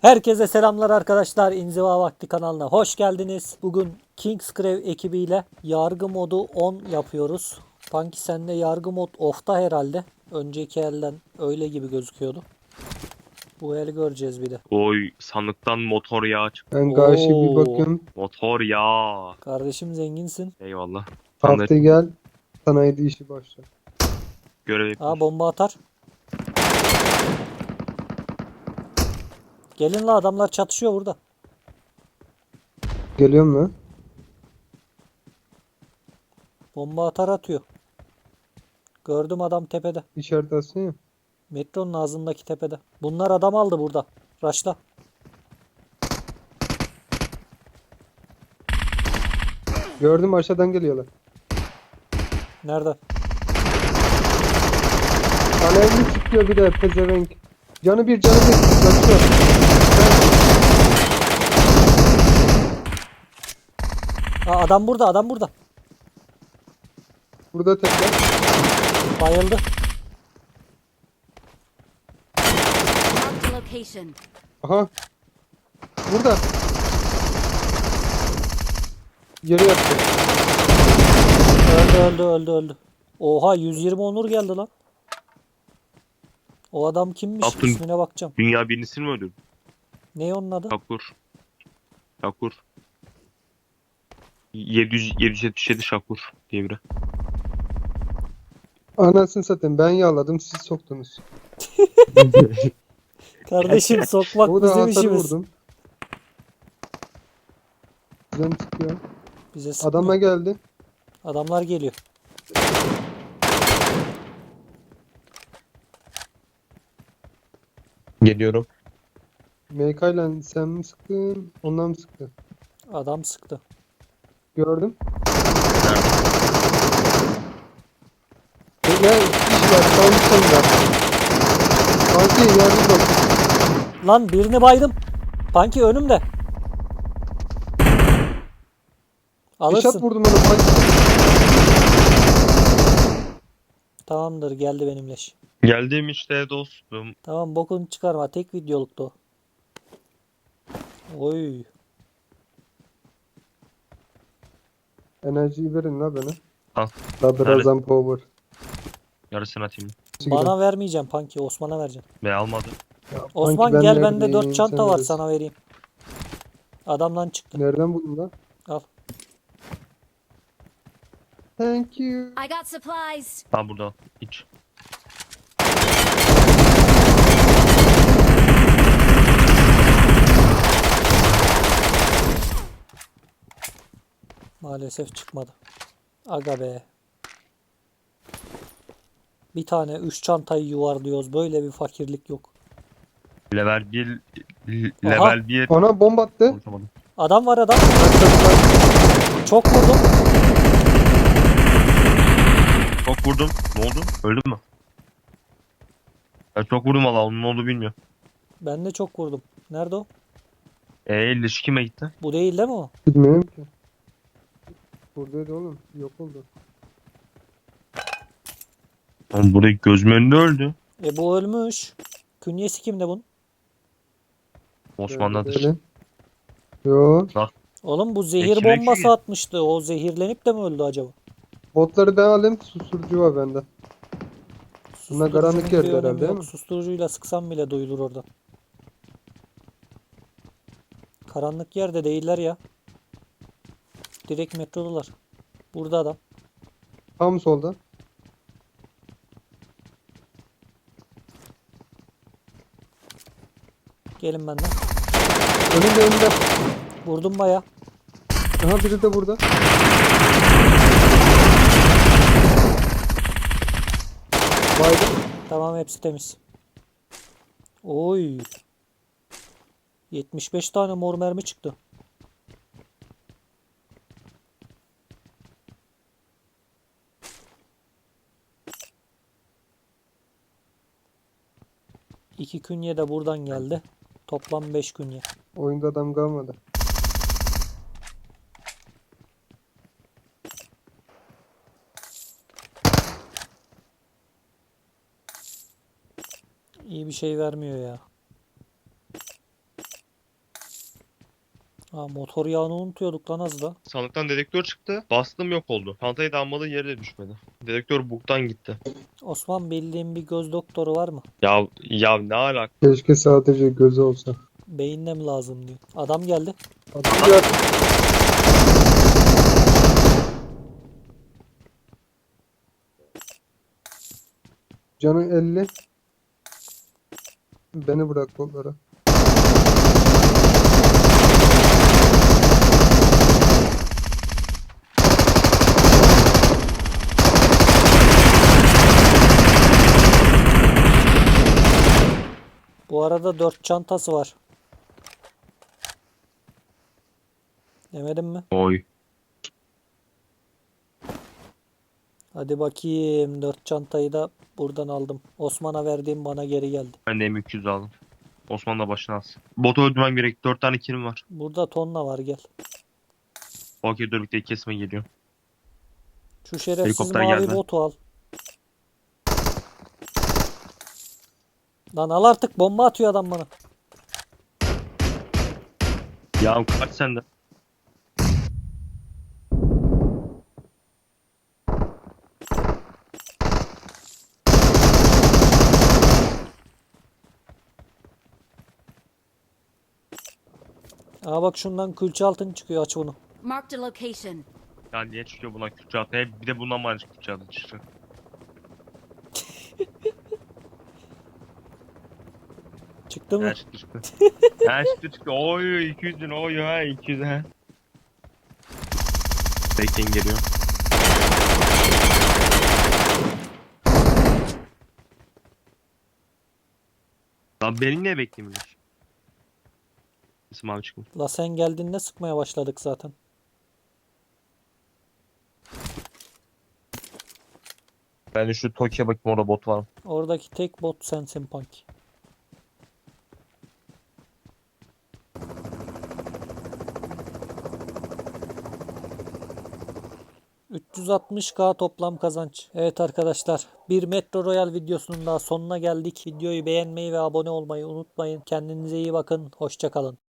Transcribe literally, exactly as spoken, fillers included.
Herkese selamlar arkadaşlar. İnziva Vakti kanalına hoş geldiniz. Bugün Kingsgrave ekibiyle yargı modu on yapıyoruz. Punky sende yargı mod off'ta herhalde. Önceki elden öyle gibi gözüküyordu. Bu el göreceğiz bir de. Oy sandıktan motor yağı çıktı. Ben karşı bir Oo, bakıyorum. Motor yağı. kardeşim zenginsin. Eyvallah. Sen de Hafta gel. Sanayide işi başla. görev Aa, yapıyorsun. bomba atar. Gelin la, adamlar çatışıyor burada. Geliyorum lan. Bomba atar atıyor. Gördüm, adam tepede. İşaret atsın ya. Metronun ağzındaki tepede. Bunlar adam aldı burada. Raşla. Gördüm, aşağıdan geliyorlar. Nerede? Alevli çıkıyor bir de pezevenk. Canı bir canı bir. Kaçıyor. Aa, adam burada, adam burada. Burada tekrar. Bayıldı. Marked a location. Aha. Burada. Yere yattı. Öldü öldü öldü öldü. Oha, yüz yirmi onur geldi lan. O adam kimmiş? Yaptın. İsmine bakacağım. Dünya birincisini mi öldürdün? Ne onun adı? Şakur. Şakur. yedi yüz yedi yüz yetmiş yedi Şakur diye biri. Anasını satayım, ben yağladım, siz soktunuz. Kardeşim, sokmak O da bizim hasar işimiz. vurdum. Güzel çıkıyor. Bize sıkmıyor. Adama geldi. Adamlar geliyor. Geliyorum. M K ile sen mi sıktın? Ondan mı sıktın? Adam sıktı. Gördüm. Nerede? Ne iş var? Tam sonunda. Fatih yardım bak. Lan, birini baydım. Punky önümde. Eşat Alırsın. vurdum onu. Fatih. Tamamdır, geldi benim leş. Geldim işte dostum. Tamam, bokunu çıkarma. Tek videoluktu o. Oy. Enerjiyi verin la bana. Al. Sadrazam power. Yarısını atayım. Bana vermeyeceğim Punky. Osman'a vereceğim. Ve almadı. Ya, Osman sanki ben gel, bende neredeyim, dört çanta sen var, neredesin? sana vereyim. Adamdan çıktı. Nereden buldun lan? Al. Thank you. I got supplies. Ha burada. Hiç. Maalesef çıkmadı. Aga be. Bir tane üç çantayı yuvarlıyoruz. Böyle bir fakirlik yok. Level bir. Aha. Level bir. Ona bomba attı. Unutamadım. Adam var, adam. Çok vurdum. Çok vurdum. Ne oldu? Öldün mü? Ben çok vurdum valla. Onun ne oldu bilmiyorum. Ben de çok vurdum. Nerede o? Eee ilişki kime gitti? Bu değil değil mi o? Bilmiyorum ki. Buradaydı oğlum. Yok oldu. Oğlum burayı gözümün önünde öldü. E, bu ölmüş. Künyesi kimde bunun? Osmanlı'dadır. Böyle. Yo. Oğlum, bu zehir Ekmek bombası yiyor. atmıştı. O zehirlenip de mi öldü acaba? Botları ben alayım. Susturucu var bende. Bunlar karanlık Susturucunun bir yerde önemi herhalde, yok. değil mi? Susturucuyla sıksam bile duyulur orada. Karanlık yerde değiller ya. Direkt metrodalar. Burada adam. Tam solda. Gelin benden. Önünde önünde. Vurdum baya. Aha biri de burada. Baydım. Tamam, hepsi temiz. Oy. yetmiş beş tane mor mermi çıktı. İki künye de buradan geldi. Toplam beş künye. Oyunda adam kalmadı. İyi bir şey vermiyor ya. Ha, motor yağını unutuyorduk lan az da. Sandıktan dedektör çıktı. Bastım yok oldu. Çantayı da almadığı yere de düşmedi. Dedektör buktan gitti. Osman bildiğin bir göz doktoru var mı? Ya ya ne alaka? Keşke sadece gözü olsa. Beyinle mi lazım diyor. Adam geldi. Adam geldi. Canı elli. Beni bırak onlara. Bu arada dört çantası var. Demedim mi? Oy. Hadi bakayım. Dört çantayı da buradan aldım. Osman'a verdiğim bana geri geldi. Ben de M iki yüz aldım. Osman da başına alsın. Botu öldürmem gerek. Dört tane kilim var. Burada tonla var gel. Okey dur birlikte kesme geliyor. Şu şerefsiz Helikopter mavi geldi. botu al. Lan al artık, bomba atıyor adam bana. Ya kaç sende? Aa bak şundan külçe altın çıkıyor, aç bunu. Marked a location. Ya niye çıkıyor bundan Kürtçe altı? Hep bir de bundan mı Kürtçe altı çıktı? Çıktı mı? Her çıktı çıktı. Her çıktı çıktı. Oy iki yüz bin oy ha iki yüz ha. Bekleyin geliyor. Lan beni niye beklemiyorsun? İsim abi çıkmış. La sen geldiğinde sıkmaya başladık zaten. Ben de şu Tokyo'ya bakayım orada bot var mı? Oradaki tek bot sensin Punk. üç yüz altmış K toplam kazanç. Evet arkadaşlar, bir Metro Royal videosunun daha sonuna geldik. Videoyu beğenmeyi ve abone olmayı unutmayın. Kendinize iyi bakın. Hoşça kalın.